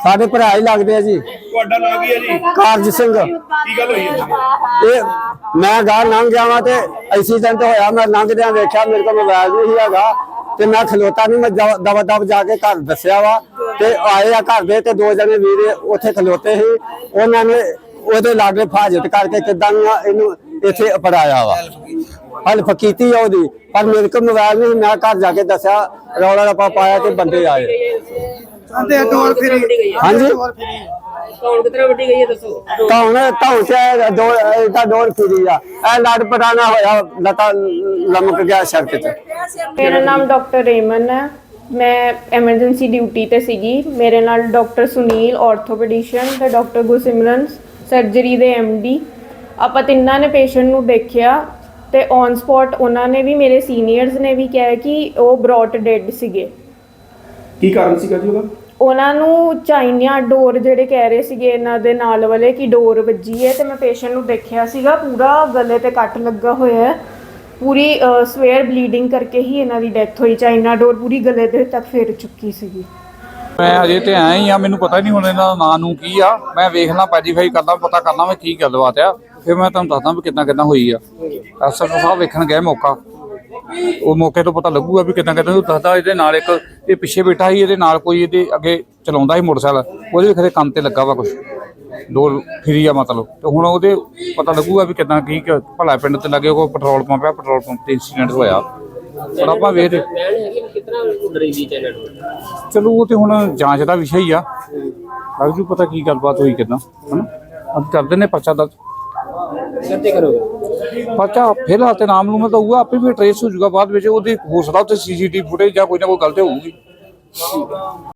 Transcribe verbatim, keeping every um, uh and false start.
ਸਾਡੇ ਭਰਾ ਹੀ ਲੱਗਦੇ ਆ ਜੀ। ਤੁਹਾਡਾ ਨਾਮ ਕੀ ਹੈ ਜੀ? ਕਾਰਜ ਸਿੰਘ। ਕੀ ਗੱਲ ਹੋਈ ਹੈ? ਇਹ ਮੈਂ ਗਾਂ ਲੰਘ ਗਿਆ ਵਾਂ ਤੇ ਐਕਸੀਡੈਂਟ ਹੋਇਆ। ਮੈਂ ਲੰਘਦਿਆਂ ਵੇਖਿਆ ਮੇਰੇ ਕੋਲ ਮੋਬਾਈਲ ਨਹੀਂ ਹੈਗਾ ਤੇ ਮੈਂ ਖਲੋਤਾ ਨਹੀਂ, ਮੈਂ ਦਵਾ ਦਵ ਜਾ ਕੇ ਘਰ ਦੱਸਿਆ ਵਾ ਤੇ ਆਏ ਆ ਘਰ ਦੇ ਤੇ ਦੋ ਜਣੇ ਵੀਰ ਉੱਥੇ ਖਲੋਤੇ ਸੀ। ਉਹਨਾਂ ਨੇ ਉਹਦੇ ਲਾਗੇ ਫਾਜਤ ਕਰਕੇ ਕਿੱਦਾਂ ਇਹਨੂੰ ਇੱਥੇ ਅਪੜਾਇਆ ਵਾ, ਹੈਲਪ ਕੀਤੀ ਆ ਉਹਦੀ। ਪਰ ਮੇਰੇ ਕੋਲ ਮੋਬਾਈਲ ਨਹੀਂ, ਮੈਂ ਘਰ ਜਾ ਕੇ ਦੱਸਿਆ, ਰੌਲਾ ਰੱਪਾ ਪਾਇਆ ਤੇ ਬੰਦੇ ਆਏ। ਹਾਂਜੀ ਕੌਣ ਕਿਤਨਾ ਵੱਡੀ ਗਈ ਹੈ ਦੱਸੋ? ਕੌਣ ਕੌਣ ਸੇ ਦੋ ਇਹਦਾ ਡੋਰ ਫਿਰੀ ਆ, ਇਹ ਲੜ ਪਟਾਣਾ ਹੋਇਆ, ਲਤਾ ਲਮਕ ਗਿਆ ਸੜਕ ਤੇ। ਮੇਰਾ ਨਾਮ ਡਾਕਟਰ ਰੇਮਨ ਹੈ। ਮੈਂ ਐਮਰਜੈਂਸੀ ਡਿਊਟੀ ਤੇ ਸੀਗੀ। ਮੇਰੇ ਨਾਲ ਡਾਕਟਰ ਸੁਨੀਲ ਆਰਥੋਪੈਡਿਸ਼ਨ ਤੇ ਡਾਕਟਰ ਗੁਰਸਿਮਰਨ ਸਰਜਰੀ ਦੇ ਐਮਡੀ, ਆਪਾਂ ਤਿੰਨਾਂ ਨੇ ਪੇਸ਼ੈਂਟ ਨੂੰ ਦੇਖਿਆ ਤੇ ਔਨ ਸਪੌਟ ਉਹਨਾਂ ਨੇ ਵੀ, ਮੇਰੇ ਸੀਨੀਅਰਸ ਨੇ ਵੀ ਕਿਹਾ ਕਿ ਉਹ ਬ੍ਰੌਟ ਡੈਡ ਸੀਗੇ। ਕੀ ਕਾਰਨ ਸੀਗਾ ਜੀ ਉਹਦਾ? ਉਹਨਾਂ ਨੂੰ ਚਾਈਨਾ ਡੋਰ ਜਿਹੜੇ ਕਹਿ ਰਹੇ ਸੀਗੇ ਇਹਨਾਂ ਦੇ ਨਾਲ ਵਾਲੇ ਕਿ ਡੋਰ ਵੱਜੀ ਹੈ। ਤੇ ਮੈਂ ਪੇਸ਼ੈਂਟ ਨੂੰ ਦੇਖਿਆ ਸੀਗਾ, ਪੂਰਾ ਗਲੇ ਤੇ ਕੱਟ ਲੱਗਾ ਹੋਇਆ ਹੈ, ਪੂਰੀ ਸਵੇਅਰ ਬਲੀਡਿੰਗ ਕਰਕੇ ਹੀ ਇਹਨਾਂ ਦੀ ਡੈਥ ਹੋਈ। ਚਾਈਨਾ ਡੋਰ ਪੂਰੀ ਗਲੇ ਦੇ ਤੱਕ ਫਿਰ ਚੁੱਕੀ ਸੀਗੀ। ਮੈਂ ਅਜੇ ਤੇ ਆਇਆ ਹੀ ਆ, ਮੈਨੂੰ ਪਤਾ ਨਹੀਂ ਹੁਣ ਇਹਨਾਂ ਦਾ ਨਾਂ ਨੂੰ ਕੀ ਆ। ਮੈਂ ਵੇਖਣਾ ਪੈਜੀਫਾਈ ਕਰਦਾ, ਪਤਾ ਕਰਨਾ ਮੈਂ ਕੀ ਗੱਲਬਾਤ ਆ, ਫਿਰ ਮੈਂ ਤੁਹਾਨੂੰ ਦੱਸਦਾ ਵੀ ਕਿੱਦਾਂ ਕਿੱਦਾਂ ਹੋਈ ਆ। ਐਸਐਸਓ ਸਾਹਿਬ ਵੇਖਣ ਗਏ ਮੌਕਾ, ਉਹ ਮੌਕੇ ਤੋਂ ਪਤਾ ਲੱਗੂਗਾ ਵੀ ਕਿੱਦਾਂ ਕਿੱਦਾਂ। ਦੱਸਦਾ ਇਹਦੇ ਨਾਲ ਇੱਕ ਇਹ ਪਿੱਛੇ ਬੈਠਾ ਸੀ, ਇਹਦੇ ਨਾਲ ਕੋਈ ਇਹਦੇ ਅੱਗੇ ਚਲਾਉਂਦਾ ਸੀ ਮੋਟਰਸਾਈਕਲ, ਉਹਦੇ ਵੀ ਖਰੇ ਕੰਨ ਤੇ ਲੱਗਾ ਵਾ ਕੁਛ, ਡੋਰ ਫਿਰੀ ਆ ਮਤਲਬ। ਤੇ ਹੁਣ ਉਹਦੇ ਪਤਾ ਲੱਗੂਗਾ ਵੀ ਕਿੱਦਾਂ ਕੀ ਭਲਾ ਪਿੰਡ ਤੇ ਲੱਗੇ ਕੋਈ ਪੈਟਰੋਲ ਪੰਪ ਆ, ਪੈਟਰੋਲ ਪੰਪ ਤੇ ਇੰਸੀਡੈਂਟ ਹੋਇਆ। ਪਰ ਆਪਾਂ ਵੇਖਦੇ ਚਲੋ ਉਹ ਤੇ ਹੁਣ ਜਾਂਚ ਦਾ ਵਿਸ਼ਾ ਹੀ ਆ, ਲੱਗ ਜੂ ਪਤਾ ਕੀ ਗੱਲਬਾਤ ਹੋਈ ਕਿੱਦਾਂ, ਹਨਾ। ਅੱਜ ਕਰਦੇ ਨੇ ਪਰਚਾ ਦਰਜ ਪਰਚਾ ਫਿਲਹਾਲ ਤੇ ਨਾਮ ਨੂੰ ਤਾਂ ਹੋਊਗਾ, ਆਪੇ ਵੀ ਟਰੇਸ ਹੋ ਜਾਊਗਾ ਬਾਅਦ ਵਿੱਚ। ਉਹਦੀ ਹੋ ਸਕਦਾ ਉੱਥੇ ਸੀਸੀਟੀਵੀ ਫੁਟੇਜ ਜਾਂ ਕੋਈ ਨਾ ਕੋਈ ਗਲਤੀ ਹੋਊਗੀ।